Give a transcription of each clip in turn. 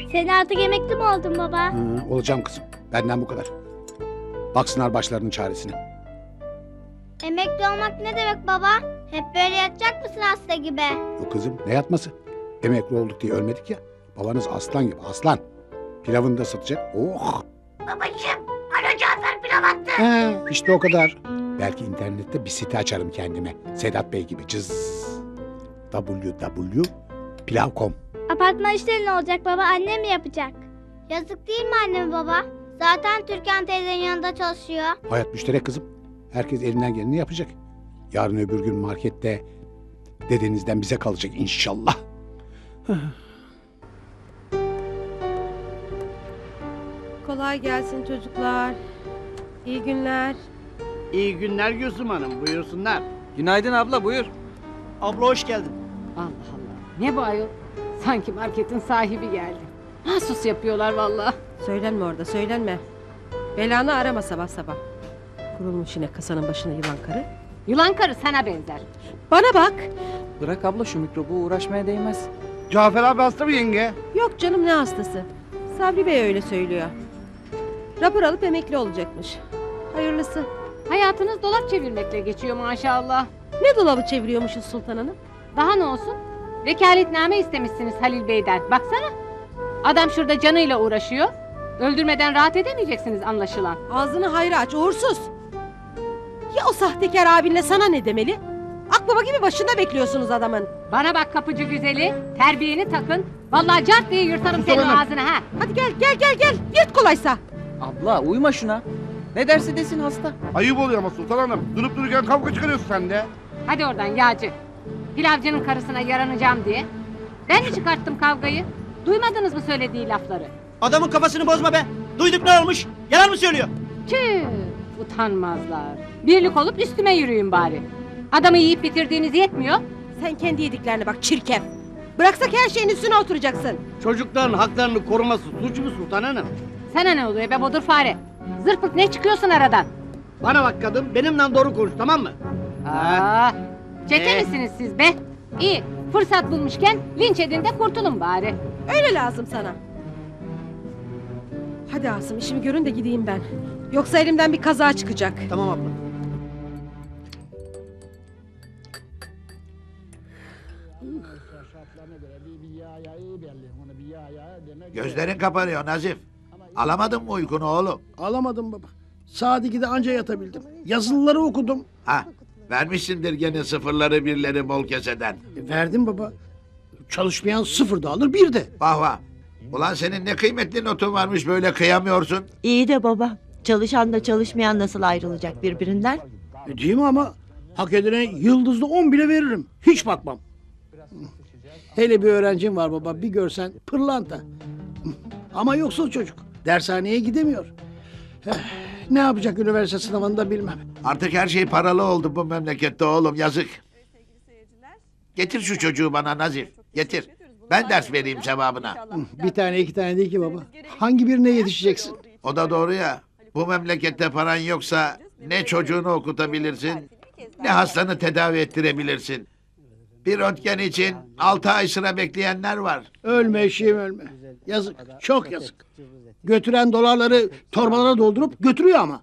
Sen artık emekli mi oldun baba? Olacağım kızım. Benden bu kadar. Baksınlar başlarının çaresine. Emekli olmak ne demek baba? Hep böyle yatacak mısın hasta gibi? Yok kızım, ne yatması? Emekli olduk diye ölmedik ya. Babanız aslan gibi, aslan. Pilavını da satacak. Oh! Babacığım, Alo Cafer pilav attı. İşte o kadar. Belki internette bir site açarım kendime. Sedat Bey gibi. Cız. www.pilav.com. Apartman işleri ne olacak baba? Annem mi yapacak? Yazık değil mi annem baba? Zaten Türkan teyzenin yanında çalışıyor. Hayat müşterek kızım. Herkes elinden geleni yapacak. Yarın öbür gün markette dedenizden bize kalacak inşallah. Kolay gelsin çocuklar. İyi günler. İyi günler Gülsüm Hanım, buyursunlar. Günaydın abla, buyur. Abla hoş geldin. Allah Allah. Ne bu ayol? Sanki marketin sahibi geldi. Mahsus yapıyorlar vallahi. Söylenme orada, söylenme. Belanı arama sabah sabah. Kurulmuş yine kasanın başına yılan karı. Yılan karı sana benzer. Bana bak. Bırak abla şu mikrobu, uğraşmaya değmez. Cafer abi hasta mı yenge? Yok canım, ne hastası. Sabri Bey öyle söylüyor. Rapor alıp emekli olacakmış. Hayırlısı. Hayatınız dolap çevirmekle geçiyor maşallah. Ne dolabı çeviriyormuşuz Sultan Hanım? Daha ne olsun? Vekaletname istemişsiniz Halil Bey'den. Baksana. Adam şurada canıyla uğraşıyor. Öldürmeden rahat edemeyeceksiniz anlaşılan. Ağzını hayra aç, uğursuz. Ya o sahtekar abinle sana ne demeli? Akbaba gibi başında bekliyorsunuz adamın. Bana bak kapıcı güzeli. Terbiyeni takın. Vallahi cart diye yırtarım senin Hanım. ağzını ha. Hadi gel. Yırt kolaysa. Abla uyma şuna. Ne derse desin hasta. Ayıp oluyor ama Sultan Hanım. Durup dururken kavga çıkarıyorsun sen de. Hadi oradan yağcı. Pilavcının karısına yaranacağım diye. Ben mi çıkarttım kavgayı? Duymadınız mı söylediği lafları? Adamın kafasını bozma be. Duyduk ne olmuş? Yalan mı söylüyor? Tüh, utanmazlar. Birlik olup üstüme yürüyün bari. Adamı yiyip bitirdiğiniz yetmiyor. Sen kendi yediklerine bak çirkef. Bıraksak her şeyin üstüne oturacaksın. Çocukların haklarını koruması suç mu Sultan Hanım? Sana ne oluyor be bodur fare? Zırpık ne çıkıyorsun aradan? Bana bak kadın, benimle doğru konuş, tamam mı? Aa, çete misiniz siz be? İyi, fırsat bulmuşken linç edin de kurtulun bari. Öyle lazım sana. Hadi Asım, işimi görün de gideyim ben. Yoksa elimden bir kaza çıkacak. Tamam abla. Gözlerin kapanıyor Nazif. Alamadın mı uykunu oğlum? Alamadım baba. Saat 2'de anca yatabildim. Yazılıları okudum. Ha, vermişsindir gene sıfırları birleri bol keseden. Verdim baba. Çalışmayan sıfır da alır bir de. Vah vah. Ulan senin ne kıymetli notun varmış böyle kıyamıyorsun. İyi de baba. Çalışan da çalışmayan nasıl ayrılacak birbirinden? Değil mi ama? Hak edene yıldızlı 10 bile veririm. Hiç bakmam. Hele bir öğrencim var baba. Bir görsen pırlanta. Ama yoksul çocuk. Dershaneye gidemiyor. Ne yapacak üniversite sınavında bilmem. Artık her şey paralı oldu bu memlekette oğlum, yazık. Getir şu çocuğu bana Nazif. Getir. Ben ders vereyim sevabına. Bir tane iki tane değil ki baba. Hangi birine yetişeceksin? O da doğru ya. Bu memlekette paran yoksa ne çocuğunu okutabilirsin, ne hastanı tedavi ettirebilirsin. Bir röntgen için 6 ay sıra bekleyenler var. Ölme eşeğim ölme. Yazık. Çok yazık. Götüren dolarları torbalara doldurup götürüyor ama.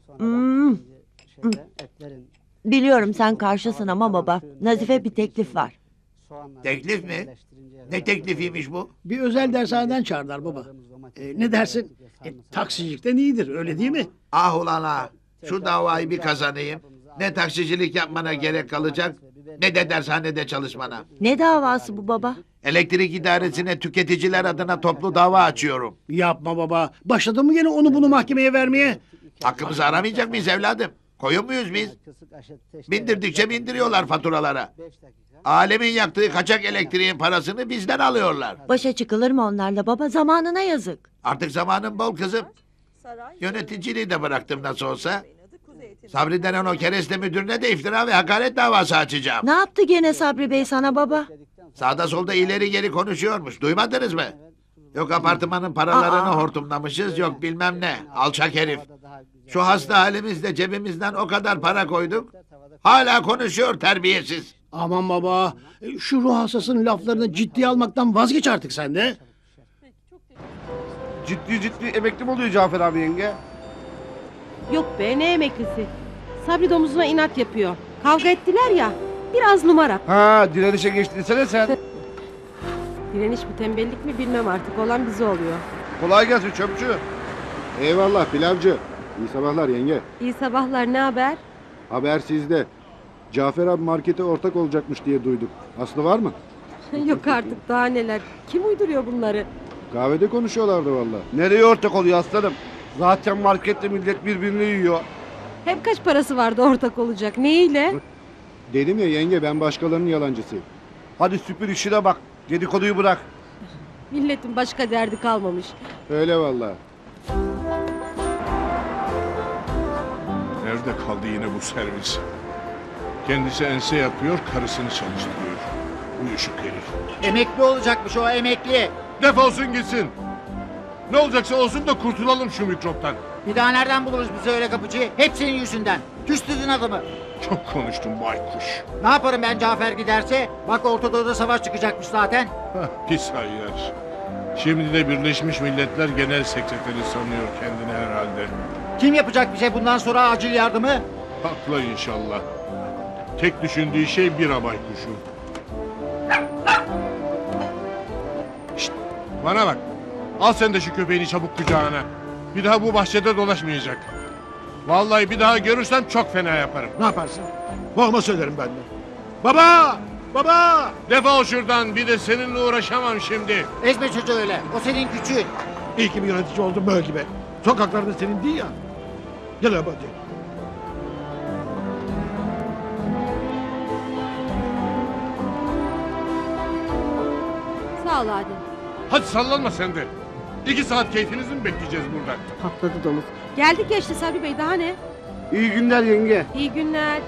Biliyorum sen karşısın ama baba. Nazife bir teklif var. Teklif mi? Ne teklifiymiş bu? Bir özel dershaneden çağırdılar baba. Ne dersin? Taksicilikten iyidir öyle değil mi? Ah ulan ah. Şu davayı bir kazanayım. Ne taksicilik yapmana gerek kalacak, ne de dershanede çalışmana. Ne davası bu baba? Elektrik idaresine tüketiciler adına toplu dava açıyorum. Yapma baba. Başladın mı gene onu bunu mahkemeye vermeye? Hakkımızı aramayacak mıyız evladım? Koyun muyuz biz? Bindirdikçe bindiriyorlar faturalara. Alemin yaktığı kaçak elektriğin parasını bizden alıyorlar. Başa çıkılır mı onlarla baba? Zamanına yazık. Artık zamanım bol kızım. Yöneticiliği de bıraktım nasıl olsa. Sabri denen o kereste müdürüne de iftira ve hakaret davası açacağım. Ne yaptı gene Sabri Bey sana baba? Sağda solda ileri geri konuşuyormuş. Duymadınız mı? Yok apartmanın paralarını hortumlamışız, yok bilmem ne. Alçak herif. Şu hasta halimizde cebimizden o kadar para koyduk. Hala konuşuyor terbiyesiz. Aman baba. Şu ruh hastasının laflarını ciddiye almaktan vazgeç artık sen de. Ciddi ciddi emekli mi oluyor Cafer abi yenge? Yok be ne emeklisi. Sabri domuzuna inat yapıyor. Kavga ettiler ya. Biraz numara. Ha direnişe geçti desene sen. Direniş mi tembellik mi bilmem artık. Olan bize oluyor. Kolay gelsin çöpçü. Eyvallah pilavcı. İyi sabahlar yenge. İyi sabahlar ne haber? Haber sizde. Cafer abi markete ortak olacakmış diye duyduk. Aslı var mı? Yok artık daha neler. Kim uyduruyor bunları? Kahvede konuşuyorlardı valla. Nereye ortak oluyor aslanım? Zaten markette millet birbirini yiyor. Hem kaç parası vardı ortak olacak? Neyle? Dedim ya yenge ben başkalarının yalancısıyım. Hadi süpür işine bak. Dedikoduyu bırak. Milletin başka derdi kalmamış. Öyle valla. Nerede kaldı yine bu servis? Kendisi ense yapıyor, karısını çalıştırıyor. Uyuşuk herif. Emekli olacakmış o emekli. Defolsun gitsin. Ne olacaksa olsun da kurtulalım şu mikroptan. Bir daha nereden buluruz bizi öyle kapıcıyı? Hep senin yüzünden. Küstürdün adamı. Çok konuştum baykuş. Ne yaparım ben Cafer giderse? Bak Orta Doğu'da savaş çıkacakmış zaten. Hah, pis hayyar. Şimdi de Birleşmiş Milletler Genel Sekreteri sanıyor kendini herhalde. Kim yapacak bize bundan sonra acil yardımı? Haklı inşallah. Tek düşündüğü şey bira baykuşu. Şşt, bana bak. Al sen de şu köpeğini çabuk kucağına. Bir daha bu bahçede dolaşmayacak. Vallahi bir daha görürsem çok fena yaparım. Ne yaparsın? Babama söylerim ben de. Baba! Baba! Defol şuradan, bir de seninle uğraşamam şimdi. Ezme çocuğu öyle. O senin küçüğün. İyi ki bir yönetici oldum böyle gibi. Sokaklarda senin değil ya. Gel abi hadi. Sağ ol Adem. Hadi sallanma sen de. 2 saat keyfinizi mi bekleyeceğiz burada? Patladı domuz. Geldik ya işte Sabri Bey daha ne? İyi günler yenge. İyi günler.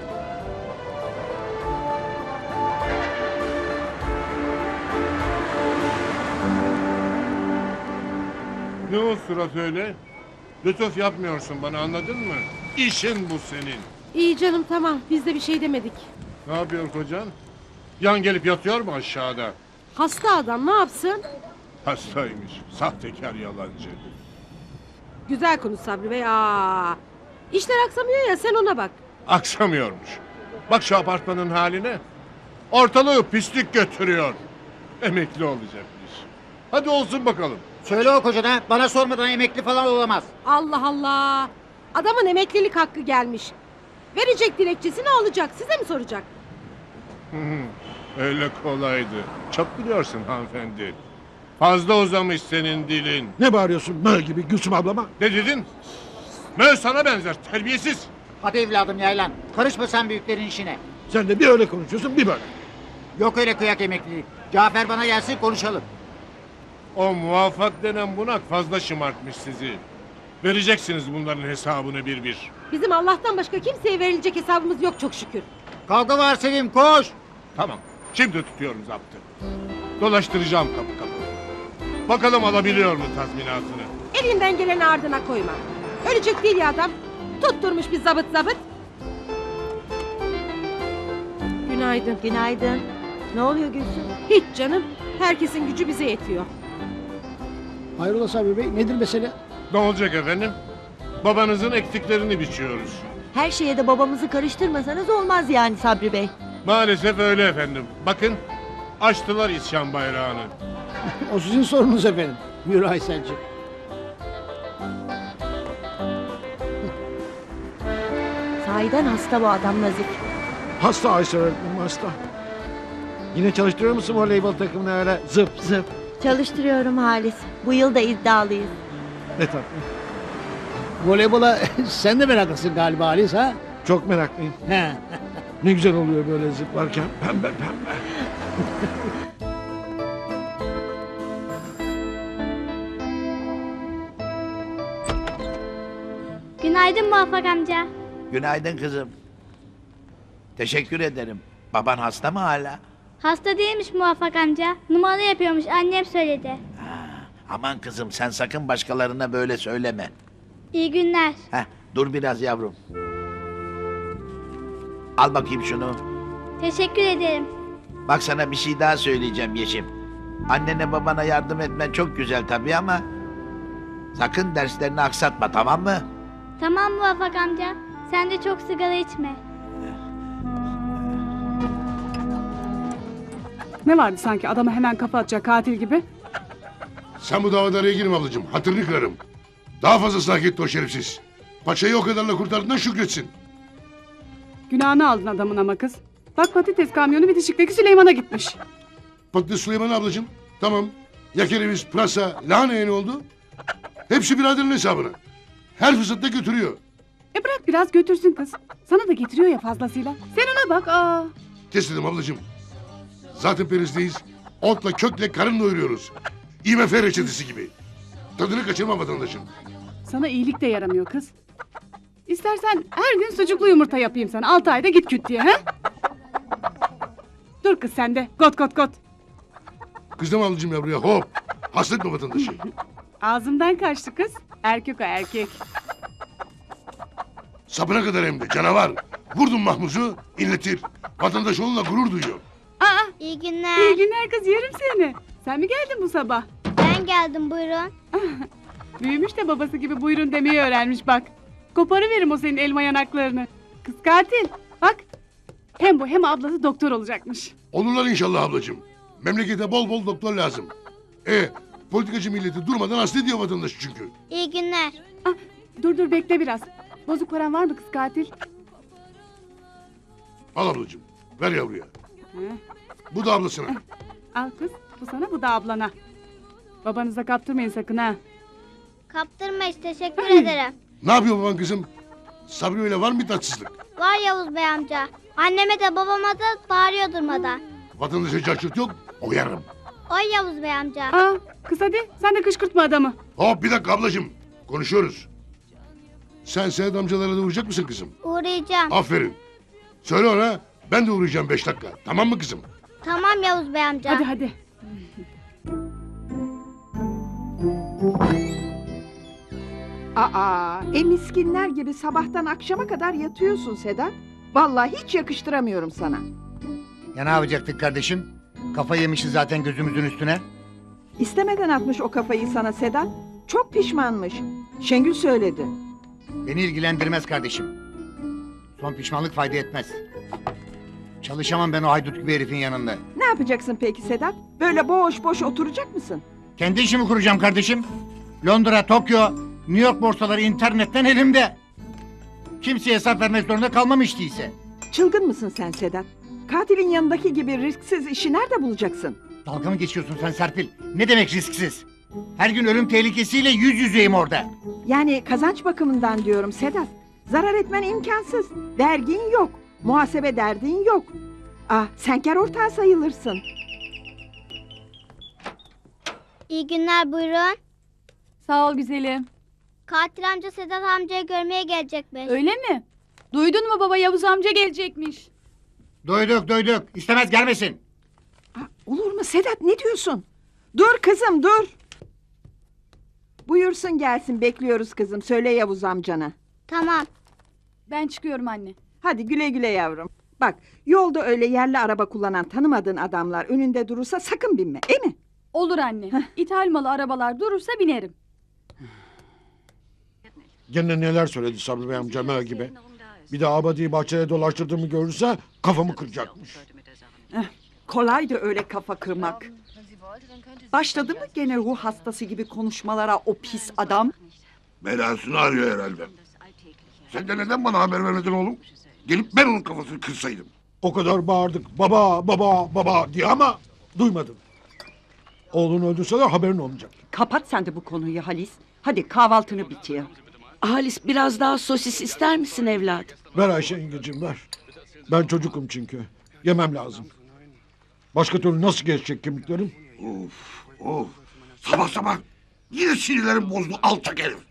Ne o surat öyle? Lütuf yapmıyorsun bana, anladın mı? İşin bu senin. İyi canım tamam biz de bir şey demedik. Ne yapıyor kocan? Yan gelip yatıyor mu aşağıda? Hasta adam ne yapsın? Hastaymış. Sahtekar, yalancı. Güzel konuş Sabri Bey. İşler aksamıyor ya sen ona bak. Aksamıyormuş. Bak şu apartmanın haline. Ortalığı pislik götürüyor. Emekli olacakmış. Hadi olsun bakalım. Söyle o kocana bana sormadan emekli falan olamaz. Allah Allah. Adamın emeklilik hakkı gelmiş. Verecek dilekçesini alacak. Size mi soracak? Öyle kolaydı. Çok biliyorsun hanımefendi. Fazla uzamış senin dilin. Ne bağırıyorsun mö gibi Gülsüm ablama? Ne dedin? Mö sana benzer, terbiyesiz. Hadi evladım yaylan. Karışma sen büyüklerin işine. Sen de bir öyle konuşuyorsun bir böyle. Yok öyle kıyak emeklilik. Cafer bana gelsin konuşalım. O muvaffak denen bunak fazla şımartmış sizi. Vereceksiniz bunların hesabını bir bir. Bizim Allah'tan başka kimseye verilecek hesabımız yok çok şükür. Kavga var Sevim koş. Tamam, şimdi tutuyorum zaptı. Dolaştıracağım kapı kapı. Bakalım alabiliyor mu tazminatını? Elinden geleni ardına koyma. Ölecek değil ya adam. Tutturmuş bir zabıt. Günaydın. Günaydın. Ne oluyor Gülsüm? Hiç canım. Herkesin gücü bize yetiyor. Hayrola Sabri Bey nedir mesele? Ne olacak efendim? Babanızın ektiklerini biçiyoruz. Her şeye de babamızı karıştırmasanız olmaz yani Sabri Bey. Maalesef öyle efendim. Bakın, açtılar isyan bayrağını. O sizin sorunuz efendim. Yürü Aysel'cim. Sahiden hasta bu adam Nazif. Hasta Aysel öğretmenim hasta. Yine çalıştırıyor musun voleybol takımını öyle zıp zıp? Çalıştırıyorum Halis. Bu yıl da iddialıyız. Ne tatlı. Voleybola sen de meraklısın galiba Halis ha? Çok meraklıyım. He. Ne güzel oluyor böyle zıplarken. Pembe pembe. Günaydın Muvaffak amca. Günaydın kızım. Teşekkür ederim. Baban hasta mı hala? Hasta değilmiş Muvaffak amca. Numara yapıyormuş annem söyledi. Aman kızım sen sakın başkalarına böyle söyleme. İyi günler. Dur biraz yavrum. Al bakayım şunu. Teşekkür ederim. Bak sana bir şey daha söyleyeceğim Yeşim. Annene babana yardım etmen çok güzel tabii ama Sakın derslerini aksatma, tamam mı? Tamam Muvaffak amca. Sen de çok sigara içme. Ne vardı sanki adama hemen kafa atacak katil gibi? Sen bu davada araya girme ablacığım. Hatırını kırarım. Daha fazlasını hak etti o şerefsiz. Paçayı o kadarla kurtardığından şükretsin. Günahını aldın adamın ama kız. Bak patates kamyonu bitişikteki Süleyman'a gitmiş. Patates Süleyman ablacığım. Tamam. Ya kereviz, pırasa, lahaneye ne oldu? Hepsi biraderin hesabına. Her fırsatta götürüyor. Bırak biraz götürsün kız. Sana da getiriyor ya fazlasıyla. Sen ona bak. Kes dedim ablacığım. Zaten perizdeyiz. Otla kökle karın doyuruyoruz. IMF reçetesi gibi. Tadını kaçırma vatandaşın. Sana iyilik de yaramıyor kız. İstersen her gün sucuklu yumurta yapayım sana. 6 ayda git küt diye. He? Dur kız sen de. Got got got. Kızdım ablacığım yavruya hop. Hasta etme vatandaşı. Ağzımdan kaçtı kız. Erkek o erkek. Sapına kadar hem de canavar. Vurdun Mahmuz'u inletir. Vatandaş onunla gurur duyuyor. İyi günler. İyi günler kız yerim seni. Sen mi geldin bu sabah? Ben geldim buyurun. Büyümüş de babası gibi buyurun demeyi öğrenmiş bak. Koparıverim o senin elma yanaklarını. Kız katil. Bak. Hem bu hem ablası doktor olacakmış. Olurlar inşallah ablacığım. Memlekete bol bol doktor lazım. Politikacı milleti durmadan hasta ediyor vatandaşı çünkü. İyi günler. Dur bekle biraz. Bozuk paran var mı kız katil? Al ablacığım. Ver yavruya. Bu da ablasına. Al kız. Bu sana bu da ablana. Babanıza kaptırmayın sakın ha. Kaptırmayız teşekkür ederim. Ne yapıyor baban kızım? Sabri öyle var mı bir tatsızlık? Var Yavuz Bey amca. Anneme de babama da bağırıyor durmadan. Vatandaşa çarçurt yok. Oyarım. Oy Yavuz Bey amca. Kız hadi sen de kışkırtma adamı. Hop bir dakika ablacığım. Konuşuyoruz. Sen Sedat amcalara da uğrayacak mısın kızım? Uğrayacağım. Aferin. Söyle ona ben de uğrayacağım 5 dakika. Tamam mı kızım? Tamam Yavuz Bey amca. Hadi. Miskinler gibi sabahtan akşama kadar yatıyorsun Sedat. Vallahi hiç yakıştıramıyorum sana. Ya ne yapacaktık kardeşim? Kafayı yemişiz zaten gözümüzün üstüne. İstemeden atmış o kafayı sana Sedat. Çok pişmanmış. Şengül söyledi. Beni ilgilendirmez kardeşim. Son pişmanlık fayda etmez. Çalışamam ben o haydut gibi herifin yanında. Ne yapacaksın peki Sedat? Böyle boş boş oturacak mısın? Kendi işimi kuracağım kardeşim. Londra, Tokyo, New York borsaları internetten elimde. Kimseye hesap vermek zorunda kalmam hiç değilse. Çılgın mısın sen Sedat? Katilin yanındaki gibi risksiz işi nerede bulacaksın? Dalga mı geçiyorsun sen Serpil? Ne demek risksiz? Her gün ölüm tehlikesiyle yüz yüzeyim orada. Yani kazanç bakımından diyorum Sedat. Zarar etmen imkansız. Vergin yok. Muhasebe derdin yok. Sen kâr ortağı sayılırsın. İyi günler buyurun. Sağ ol güzelim. Katil amca Sedat amcayı görmeye gelecekmiş. Öyle mi? Duydun mu baba Yavuz amca gelecekmiş. Duyduk. İstemez gelmesin. Olur mu Sedat ne diyorsun? Dur kızım dur. Buyursun gelsin bekliyoruz kızım. Söyle Yavuz amcana. Tamam. Ben çıkıyorum anne. Hadi güle güle yavrum. Bak yolda öyle yerli araba kullanan tanımadığın adamlar önünde durursa sakın binme, değil mi? Olur anne. İthal malı arabalar durursa binerim. Gene neler söyledi Sabri Bey amca mö gibi. Bir de abadiyi bahçede dolaştırdığımı görürse kafamı kıracakmış. Kolaydı öyle kafa kırmak. Başladı mı gene ruh hastası gibi konuşmalara o pis adam? Belasını arıyor herhalde. Sen de neden bana haber vermedin oğlum? Gelip ben onun kafasını kırsaydım. O kadar bağırdık baba diye ama duymadın. Oğlunu öldürseler haberin olmayacak. Kapat sen de bu konuyu Halis. Hadi kahvaltını bitir. Halis biraz daha sosis ister misin evladım? Ver Ayşe yengeciğim ver. Ben çocukum çünkü. Yemem lazım. Başka türlü nasıl geçecek kemiklerim? Of. Sabah yine sinirlerim bozdu alçak herif.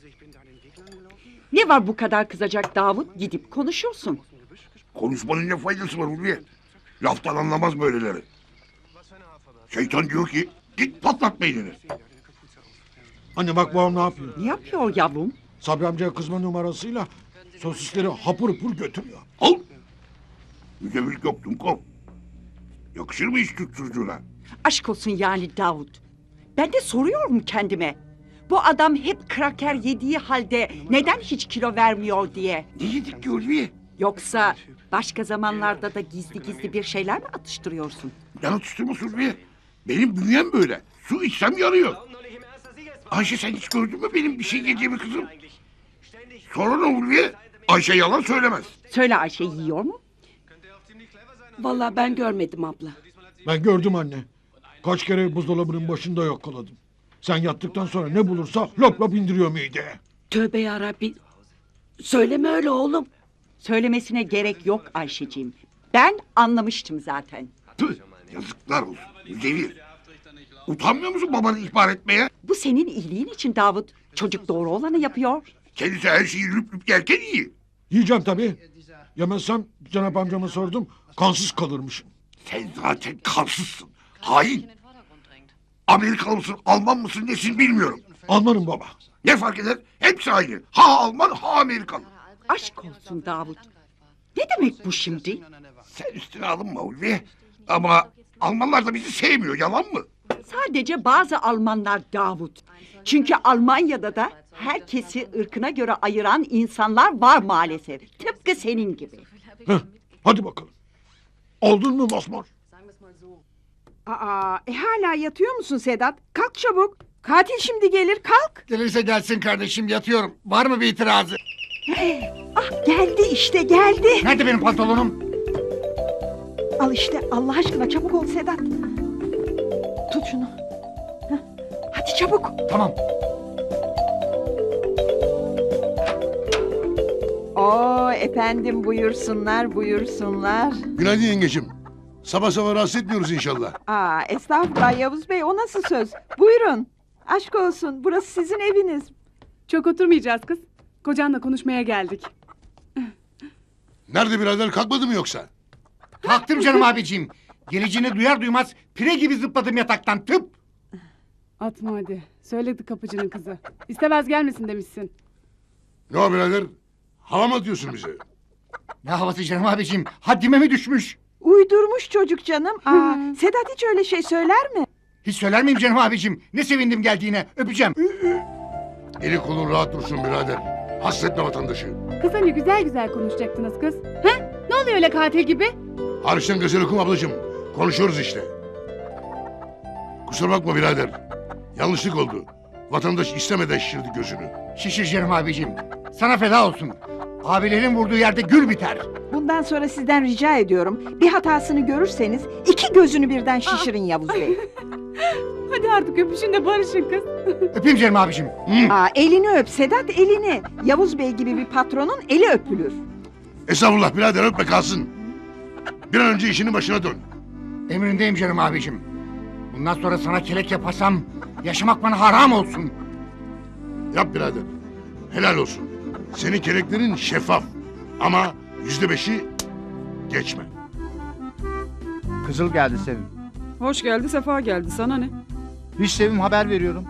Ne var bu kadar kızacak Davut? Gidip konuşursun. Konuşmanın ne faydası var Ulviye? Laftan anlamaz böyleleri. Şeytan diyor ki git patlat beynini. Anne bak babam ne yapıyor? Ne yapıyor yavrum? Sabri amcaya kızma numarasıyla sosisleri hapur hapur götürüyor. Al. Müzevilik yok Dumkov. Yakışır mı hiç Türk çocuğuna? Aşk olsun yani Davut. Ben de soruyorum kendime. Bu adam hep kraker yediği halde neden hiç kilo vermiyor diye. Ne yedik ki Ulviye? Yoksa başka zamanlarda da gizli gizli bir şeyler mi atıştırıyorsun? Yana tutturması Ulviye. Benim bünyem böyle. Su içsem yanıyor. Ayşe sen hiç gördün mü benim bir şey yediğimi kızım? Sonra ne Ulviye? Ayşe yalan söylemez. Söyle Ayşe yiyor mu? Vallahi ben görmedim abla. Ben gördüm anne. Kaç kere buzdolabının başında yakaladım. Sen yattıktan sonra ne bulursa lop lop indiriyor mideye. Tövbe yarabbi. Söyleme öyle oğlum. Söylemesine gerek yok Ayşeciğim. Ben anlamıştım zaten. Tüh, yazıklar olsun. Müzevir. Utanmıyor musun babanı ihbar etmeye? Bu senin iyiliğin için Davut. Çocuk doğru olanı yapıyor. Kendisi her şeyi lüp lüp yerken iyi. Yiyeceğim tabii. Yemezsem Cenap amcama sordum. Kansız kalırmışım. Sen zaten kansızsın. Hain. Amerikalı mısın, Alman mısın, nesin bilmiyorum. Almanım baba. Ne fark eder? Hepsi aynı. Ha Alman, ha Amerikalı. Aşk olsun Davut. Ne demek bu şimdi? Sen üstüne alınma Ulvi. Ama Almanlar da bizi sevmiyor, yalan mı? Sadece bazı Almanlar Davut. Çünkü Almanya'da da herkesi ırkına göre ayıran insanlar var maalesef. Tıpkı senin gibi. Heh, hadi bakalım. Oldun mu Mosmor? Hala yatıyor musun Sedat? Kalk çabuk. Katil şimdi gelir, kalk. Gelirse gelsin kardeşim, yatıyorum. Var mı bir itirazı? Ah geldi işte geldi. Nerede benim pantolonum? Al işte Allah aşkına çabuk ol Sedat. Tut şunu. Heh, hadi çabuk. Tamam. Oo efendim buyursunlar buyursunlar. Günaydın yengeciğim. Sabah sabah rahatsız etmiyoruz inşallah. Estağfurullah Yavuz Bey o nasıl söz? Buyurun. Aşk olsun burası sizin eviniz. Çok oturmayacağız kız. Kocanla konuşmaya geldik. Nerede birader, kalkmadı mı yoksa? Kalktım canım abiciğim. Geleceğini duyar duymaz pire gibi zıpladım yataktan, tıp. Atma hadi. Söyledi kapıcının kızı. İstemez gelmesin demişsin. Ne o birader? Hava mı atıyorsun bize? Ne havası canım abiciğim? Haddime mi düşmüş? Uydurmuş çocuk canım. Sedat hiç öyle şey söyler mi? Hiç söyler miyim canım abiciğim? Ne sevindim geldiğine, öpeceğim. Eli kolun rahat dursun birader. Hasretme vatandaşı. Kız hani güzel güzel konuşacaktınız kız. He? Ne oluyor öyle katil gibi? Hariçten gazel okuma ablacığım. Konuşuyoruz işte. Kusura bakma birader. Yanlışlık oldu. Vatandaş istemeden şişirdi gözünü. Şişir canım abiciğim. Sana feda olsun. Abilerin vurduğu yerde gül biter. Bundan sonra sizden rica ediyorum. Bir hatasını görürseniz iki gözünü birden şişirin Yavuz Bey. Hadi artık öpüşün de barışın kız. Öpeyim canım abiciğim. Elini öp Sedat elini. Yavuz Bey gibi bir patronun eli öpülür. Estağfurullah birader, öpme kalsın. Bir an önce işinin başına dön. Emrindeyim canım abiciğim. Bundan sonra sana kelek yaparsam yaşamak bana haram olsun. Yap birader. Helal olsun. Senin keleklerin şeffaf. Ama %5'i geçme. Kızıl geldi Sevim. Hoş geldi sefa geldi sana ne? Hiç Sevim, haber veriyorum.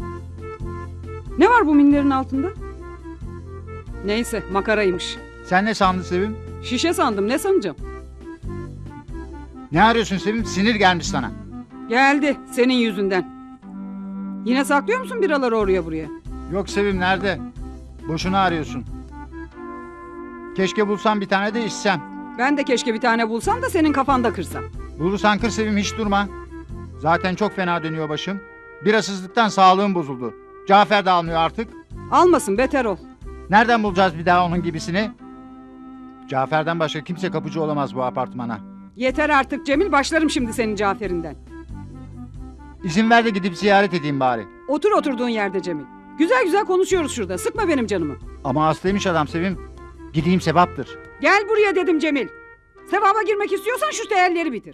Ne var bu minderin altında? Neyse makaraymış. Sen ne sandın Sevim? Şişe sandım ne sanacağım? Ne arıyorsun Sevim? Sinir gelmiş sana. Geldi senin yüzünden. Yine saklıyor musun biraları oraya buraya? Yok Sevim, nerede? Boşuna arıyorsun. Keşke bulsam bir tane de içsem. Ben de keşke bir tane bulsam da senin kafanda kırsam. Bulursan kır Sevim, hiç durma. Zaten çok fena dönüyor başım. Birasızlıktan sağlığım bozuldu. Cafer de almıyor artık. Almasın beter ol. Nereden bulacağız bir daha onun gibisini? Cafer'den başka kimse kapıcı olamaz bu apartmana. Yeter artık Cemil başlarım şimdi senin Cafer'inden. İzin ver de gidip ziyaret edeyim bari. Otur oturduğun yerde Cemil. Güzel güzel konuşuyoruz şurada. Sıkma benim canımı. Ama hastaymış adam Sevim. Gideyim sevaptır. Gel buraya dedim Cemil. Sevaba girmek istiyorsan şu değerleri bitir.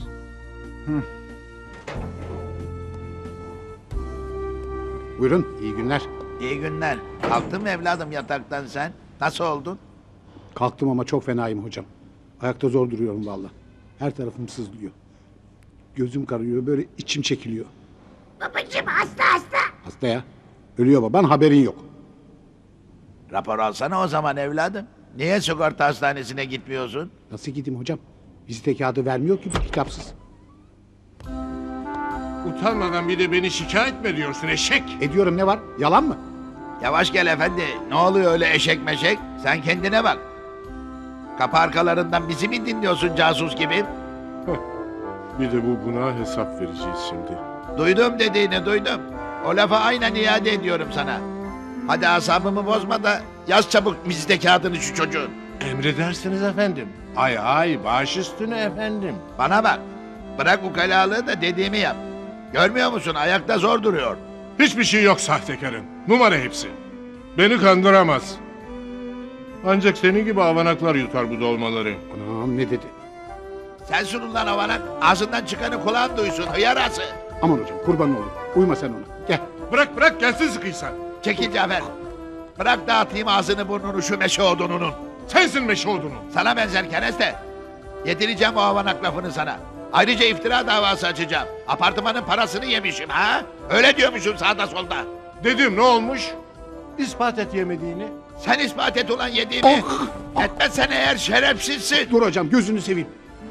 Buyurun, iyi günler. İyi günler. Kalktın mı evladım yataktan sen? Nasıl oldun? Kalktım ama çok fenayım hocam. Ayakta zor duruyorum valla. Her tarafım sızlıyor. Gözüm kararıyor, böyle içim çekiliyor. Babacığım hasta. Hasta ya. Ölüyor baban, haberin yok. Rapor alsana o zaman evladım. Niye sigorta hastanesine gitmiyorsun? Nasıl gideyim hocam? Vizite kağıdı vermiyor ki bu kitapsız. Utanmadan bir de beni şikayet mi ediyorsun eşek? Ediyorum, ne var? Yalan mı? Yavaş gel efendi. Ne oluyor öyle eşek meşek? Sen kendine bak. Kapı arkalarından bizi mi dinliyorsun casus gibi? Bir de bu buna hesap vereceğiz şimdi. Duydum dediğini duydum. O lafı aynen iade ediyorum sana. Hadi asabımı bozma da yaz çabuk vizite kağıdını şu çocuğun. Emredersiniz efendim. Ay ay baş üstüne efendim. Bana bak. Bırak ukalalığı da dediğimi yap. Görmüyor musun ayakta zor duruyor. Hiçbir şey yok sahtekarın. Numara hepsi. Beni kandıramaz. Ancak senin gibi avanaklar yutar bu dolmaları. Anam ne dedi? Sensin ulan avanak. Ağzından çıkanı kulağın duysun hıyarası. Aman hocam kurban olayım. Uyma sen ona. Gel. Bırak gelsin sıkıysan. Çekil Cafer. Bırak dağıtayım ağzını burnunu şu meşe odununun. Sensin meşe odunu. Sana benzer kereste. Yedireceğim o avanak lafını sana. Ayrıca iftira davası açacağım. Apartmanın parasını yemişim ha? Öyle diyormuşum sağda solda. Dedim ne olmuş? İspat et yemediğini. Sen ispat et ulan yediğimi. Etmezsen eğer şerefsizsin. Dur hocam gözünü seveyim.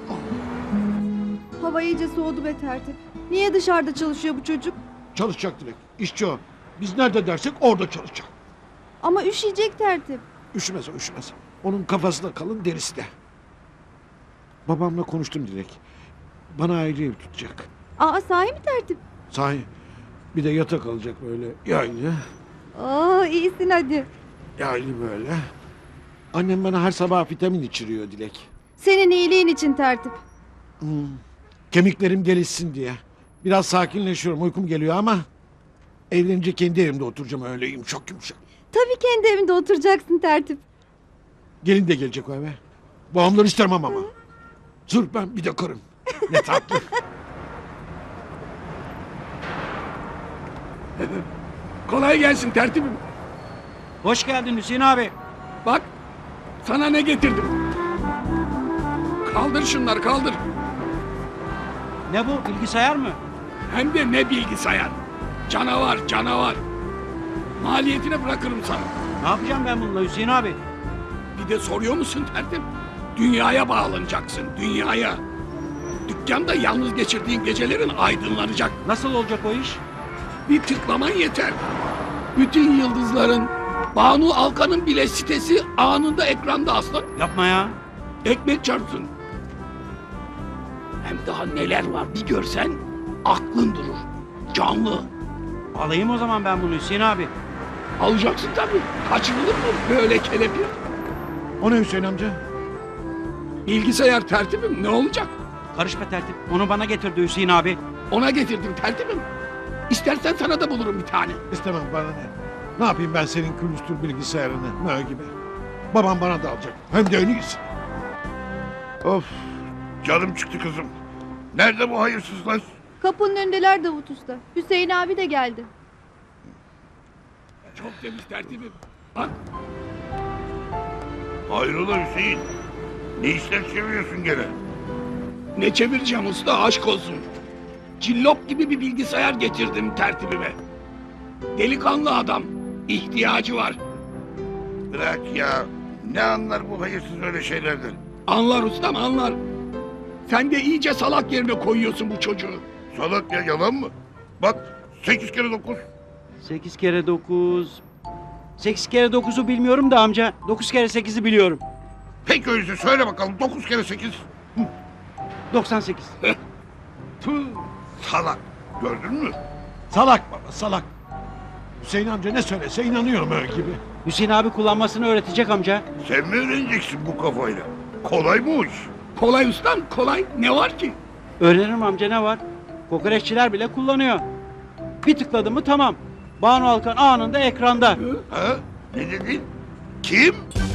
Hava iyice soğudu be tertip. Niye dışarıda çalışıyor bu çocuk? Çalışacak Dilek. İşçi o. Biz nerede dersek orada çalışacak. Ama üşüyecek tertip. Üşümez o üşümez. Onun kafası da kalın derisi de. Babamla konuştum Dilek. Bana ayrı ev tutacak. Aa sahi mi tertip? Sahi. Bir de yatak alacak böyle yaylı. Aa iyisin hadi. Yaylı böyle. Annem bana her sabah vitamin içiriyor Dilek. Senin iyiliğin için tertip. Kemiklerim gelişsin diye. Biraz sakinleşiyorum uykum geliyor ama... Evlenince kendi evimde oturacağım öyle yumuşak yumuşak. Tabii kendi evinde oturacaksın tertip. Gelin de gelecek o eve. Babamları istemem ama. Sırf ben bir de karım. Ne tatlı. Kolay gelsin tertibim. Hoş geldin Hüseyin abi. Bak sana ne getirdim. Kaldır şunları kaldır. Ne bu bilgisayar mı? Hem de ne bilgisayar. Canavar canavar. Maliyetine bırakırım sana. Ne yapacağım ben bununla Hüseyin abi? Bir de soruyor musun tertip? Dünyaya bağlanacaksın dünyaya. Dükkanda yalnız geçirdiğin gecelerin aydınlanacak. Nasıl olacak o iş? Bir tıklaman yeter. Bütün yıldızların, Banu Alkan'ın bile sitesi anında ekranda aslan. Yapma ya. Ekmek çarpsın. Hem daha neler var bir görsen aklın durur. Canlı. Alayım o zaman ben bunu Hüseyin abi. Alacaksın tabii. Kaçırılır mı böyle kelepir? O ne Hüseyin amca? Bilgisayar tertibim ne olacak? Karışma tertip. Onu bana getirdi Hüseyin abi. Ona getirdim tertibim. İstersen sana da bulurum bir tane. İstemem bana ne. Ne yapayım ben senin külüstür bilgisayarını ne gibi. Babam bana da alacak. Hem de en iyisi. Of canım çıktı kızım. Nerede bu hayırsızlar? Kapının önündeler Davut Usta. Hüseyin abi de geldi. Çok temiz tertibim. Bak Hayrola Hüseyin? Ne işler çeviriyorsun gene? ne çevireceğim usta aşk olsun. Cillop gibi bir bilgisayar getirdim tertibime. Delikanlı adam. İhtiyacı var. Bırak ya. Ne anlar bu hayırsız öyle şeylerden? Anlar ustam anlar. Sen de iyice salak yerine koyuyorsun bu çocuğu. Salak ya yalan mı? Bak 8 kere 9. 8 kere 9... 8 kere 9'u bilmiyorum da amca. 9 kere 8'i biliyorum. Peki öyleyse söyle bakalım 9 kere 8. 98. Tüh. Salak. Gördün mü? Salak baba salak. Hüseyin amca ne söylese inanıyorum öyle gibi. Hüseyin abi kullanmasını öğretecek amca. Sen mi öğreneceksin bu kafayla? Kolay mı o iş? Kolay ustam kolay. Ne var ki? Öğrenirim amca ne var? Kokoreççiler bile kullanıyor. Bir tıkladı mı tamam. Banu Alkan anında ekranda. Ha? Ne dedin? Kim?